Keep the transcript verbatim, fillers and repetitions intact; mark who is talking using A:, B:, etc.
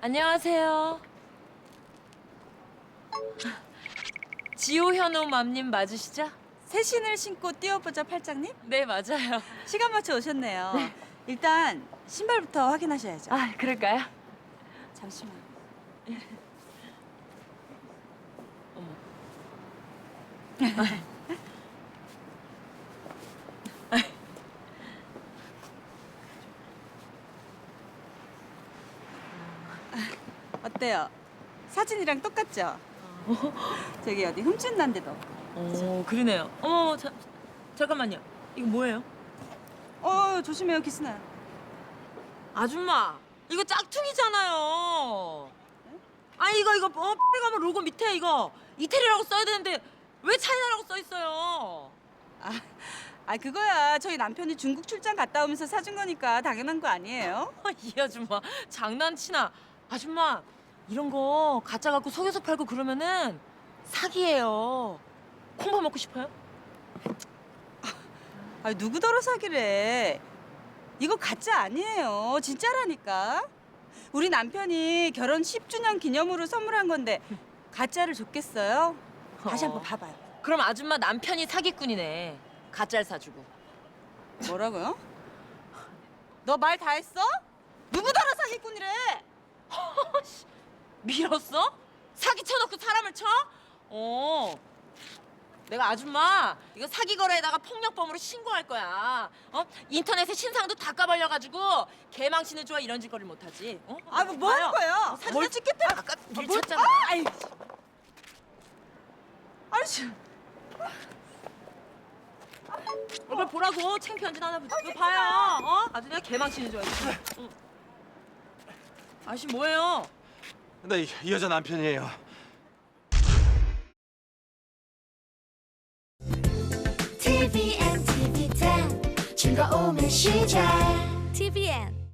A: 안녕하세요. 지호현우 맘님 맞으시죠?
B: 새 신을 신고 뛰어보자 팔짱님?
A: 네, 맞아요.
B: 시간 맞춰 오셨네요. 일단 신발부터 확인하셔야죠.
A: 아, 그럴까요?
B: 잠시만.
A: 어머.
B: 어때요? 사진이랑 똑같죠? 저기 어디 흠집 난 데도 없고.
A: 오, 그러네요. 어머, 자, 잠깐만요. 이거 뭐예요?
B: 어, 조심해요. 기스나요.
A: 아줌마, 이거 짝퉁이잖아요. 아, 이거 이거 어, 빨리 가면 로고 밑에 이거 이태리라고 써야 되는데 왜 차이나라고 써 있어요?
B: 아, 아 그거야. 저희 남편이 중국 출장 갔다 오면서 사준 거니까 당연한 거 아니에요?
A: 이 아줌마 장난치나? 아줌마, 이런 거 가짜 갖고 속여서 팔고 그러면은 사기예요. 콩밥 먹고 싶어요?
B: 아, 누구더러 사기래. 이거 가짜 아니에요. 진짜라니까. 우리 남편이 결혼 십 주년 기념으로 선물한 건데 가짜를 줬겠어요? 다시 한번
A: 어.
B: 봐봐요.
A: 그럼 아줌마 남편이 사기꾼이네. 가짜를 사주고.
B: 뭐라고요? 너 말 다 했어? 누구더러 사기꾼이래?
A: 밀었어? 사기 쳐놓고 사람을 쳐? 어. 내가 아줌마 이거 사기 거래에다가 폭력범으로 신고할 거야. 어? 인터넷에 신상도 다 까발려가지고 개망신을 좋아 이런 짓거리를 못하지. 어?
B: 아, 뭐, 뭐 하는
A: 봐요.
B: 거예요?
A: 어,
B: 사진 찍겠다.
A: 아까
B: 뭘-
A: 밀쳤잖아.
B: 아, 아이. 아이씨.
A: 이걸 보라고 창피한 짓 하나 보자. 이거 봐요. 어? 아주 내가 개망신을 좋아해. 응. 아저씨 뭐예요?
C: 나 이 여자 남편이에요.
D: 티비엔 티비 텐 즐거움의 시작 티비엔